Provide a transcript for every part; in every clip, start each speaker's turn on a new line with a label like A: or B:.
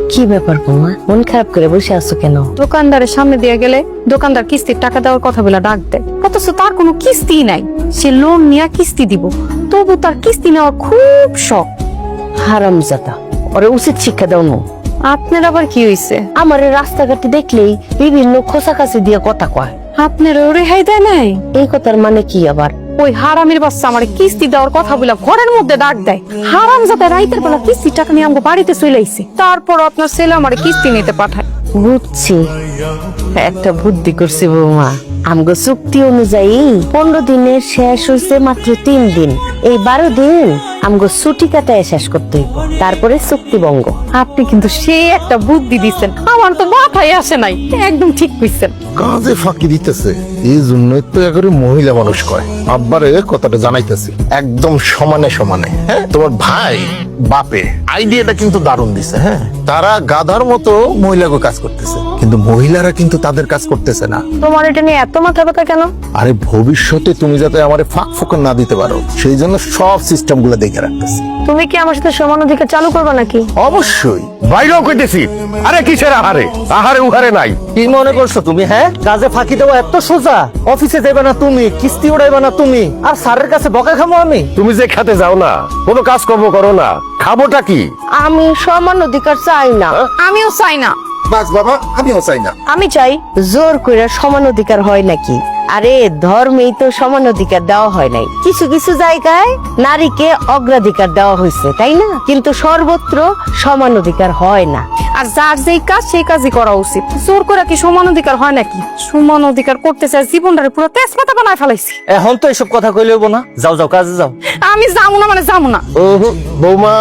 A: কি ব্যাপার বৌমা, মন খারাপ করে বসে আছো কেন?
B: দোকানদারের সামনে দিয়ে গেলে দোকানদার কিস্তির টাকা দেওয়ার কথা বলে ডাক দেয়, অথচ তার কোনো কিস্তি নাই। সে লোন নিয়ে কিস্তি দিব, তবু তার কিস্তি নেওয়ার খুব শখ।
A: হারামজাদা, ওরে উচিত শিক্ষা দাও না।
B: আপনার আবার কি হইছে?
A: আমার রাস্তাঘাটে দেখলেই বিভিন্ন খোসাকাছি দিয়ে কথা কয়।
B: আপনার রেহাই দেয় নাই?
A: এই কথার মানে কি আবার?
B: ওই হারামির বাচ্চা আমার কিস্তি দেওয়ার কথা বলে ঘরের মধ্যে ডাক দেয়। হারামজাদা রাইতের বেলা কিস্তির টাকা নিয়ে আমাকে বাড়িতে চলে আইছে, তারপর আপনার ছেলে আমার কিস্তি নিতে পাঠায়।
A: বুঝছি, একটা বুদ্ধি করছি বৌমা। আমগো চুক্তি অনুযায়ী 15 দিনের শেষ হয়েছে মাত্র 3 দিন। এই 12 দিন আমগো ছুটি কাটায় শেষ করতে হইব, তারপরে চুক্তি ভঙ্গ।
B: আপনি কিন্তু সেই একটা বুদ্ধি দিচ্ছেন, আমার তো মাথায় আসে নাই। একদম ঠিক কইছেন।
C: কাজে ফাঁকি দিতেছে, এই জন্যই তো একেবারে মহিলা মানুষ কয়। আব্বারে কথাটা জানাইতেছি একদম সমানে সমানে। হ্যাঁ, তোমার ভাই বাপে আইডিয়াটা কিন্তু দারুণ দিছে। হ্যাঁ, তারা গাধার মতো মহিলাকে কাজ করতেছে, কিন্তু মহিলারা কিন্তু তাদের কাজ করতেছে না।
B: তোমার এটা নিয়ে এত মাথা ব্যথা কেন?
C: আরে ভবিষ্যতে তুমি যাতে আমারে ফাঁক ফোকর না দিতে পারো, সেই জন্য সব সিস্টেম গুলো দেখে রাখতেছি।
B: তুমি কি আমার সাথে সমান অধিকার চালু করবে নাকি?
C: অবশ্যই।
D: বাইরেও কইতেছি, আরে কিসের আহারে আহারে উহারে নাই।
E: কি মনে করছো তুমি? হ্যাঁ, কাজে ফাঁকি দেওয়া এত সোজা? অফিসে যাবে না তুমি, কিস্তি উড়াইবে না তুমি, আর স্যারের কাছে বকা খামো আমি?
D: তুমি যে খাতে যাও না, কোনো কাজকর্ম করো না, খাবোটা কি?
A: আমি সমান অধিকার চাই না।
B: আমিও চাই না।
C: বাস বাবা, আমিও চাই না।
A: আমি চাই জোর করে সমান অধিকার হয় নাকি? আরে ধর্মেই তো সমান অধিকার দেওয়া হয় নাই। কিছু কিছু জায়গায় নারীকে অগ্রাধিকার দেওয়া হয়েছে, তাই না? কিন্তু সর্বত্র সমান অধিকার হয় না।
B: আর যার যেই কাজ সেই কাজই করা উচিত। জোর করে কি সমান অধিকার হয় নাকি? সমান অধিকার করতে চাই, জীবনটারে পুরো তেজপাতা বানায় ফেলাইছি।
E: এখন তো এসব কথা কইলে হইব না। যাও যাও, কাজে যাও।
B: আমি যাবো না মানে যাবো না।
D: বৌমা,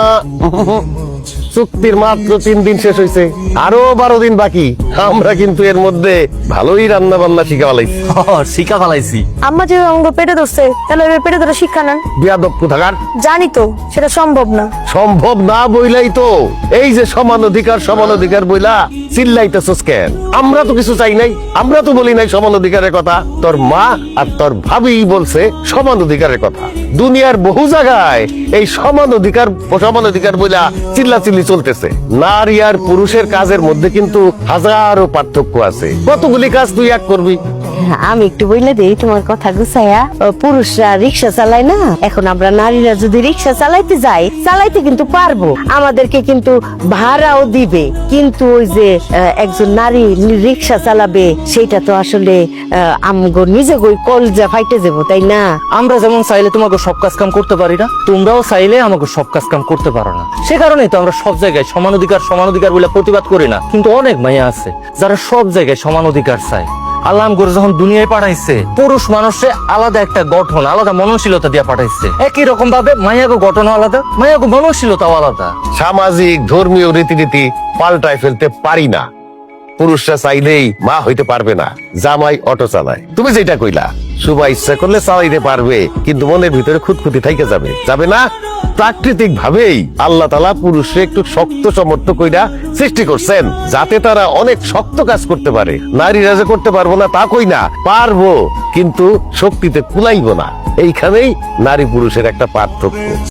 D: চুক্তির মাত্র 3 দিন শেষ হয়েছে, আরো 12 দিন বাকি। আমরা কিন্তু এর মধ্যে ভালোই রান্না বান্না শিখা ফেলাইছি।
E: শিকা ফালাইছি।
B: আম্মা যে অঙ্গ পেটে ধরছে, তাহলে ওই পেটে ধরে শিক্ষা নেন।
D: বিয়াদব কোথাকার।
B: জানি তো সেটা সম্ভব না।
D: সম্ভব না বইলাই তো এই যে সমান অধিকার বইলা চিল্লাইতেছস কেন? আমরা তো কিছু চাই নাই, আমরা তো বলি নাই সমান অধিকারের কথা। তোর মা আর তোর ভাবি বলছে সমান অধিকারের কথা। দুনিয়ার বহু জায়গায় এই সমান অধিকার বইলা চিল্লাচিল্লি চলতেছে। নারী আর পুরুষের কাজের মধ্যে কিন্তু হাজারো পার্থক্য আছে। কতগুলি কাজ তুই এক করবি?
A: আমি একটু বইলে দেই তোমার কথা গুছাইয়া। পুরুষরা রিক্সা চালায় না, এখন আমরা নারীরা যদি রিক্সা চালাইতে যাই, চালাইতে কিন্তু পারবো, আমাদেরকে কিন্তু ভাড়াও দিবে। কিন্তু ওই যে একজন নারী রিক্সা চালাবে, সেটা তো আসলে আমগো নিজে গই কলজা ফাইটে যাবো, তাই না?
E: আমরা যেমন চাইলে তোমাকে সব কাজ কাম করতে পারি না, তোমরাও চাইলে আমাকে সব কাজ কাম করতে পারো না। সে কারণেই তো আমরা সব জায়গায় সমান অধিকার বলে প্রতিবাদ করি না। কিন্তু অনেক মাইয়া আছে যারা সব জায়গায় সমান অধিকার চায়। আল্লাহ করে যখন দুনিয়ায় পাঠাইছে, পুরুষ মানুষে আলাদা একটা গঠন, আলাদা মননশীলতা দিয়ে পাঠাইছে। একই রকম ভাবে মাইয়াগো গঠন আলাদা, মাইয়াগো মননশীলতাও আলাদা।
D: সামাজিক ধর্মীয় রীতিনীতি পাল্টায় ফেলতে পারি না। পুরুষরা চাইলেই মা হইতে পারবে না, জামাই অটো চালায়। তুমি যেটা কইলা, সুবা ইচ্ছা করলে চালাইতে পারবে, কিন্তু মনের ভিতরে খুঁতখুঁতি থাইকে যাবে না। প্রাকৃতিক ভাবেই আল্লাহ তাআলা পুরুষে একটু শক্ত সমর্থ কইরা সৃষ্টি করছেন, যাতে তারা অনেক শক্ত কাজ করতে পারে। নারীরা যে করতে পারবো না তা কই না, পারবো, কিন্তু শক্তিতে কুলাইবো না। এইখানেই নারী পুরুষের একটা পার্থক্য।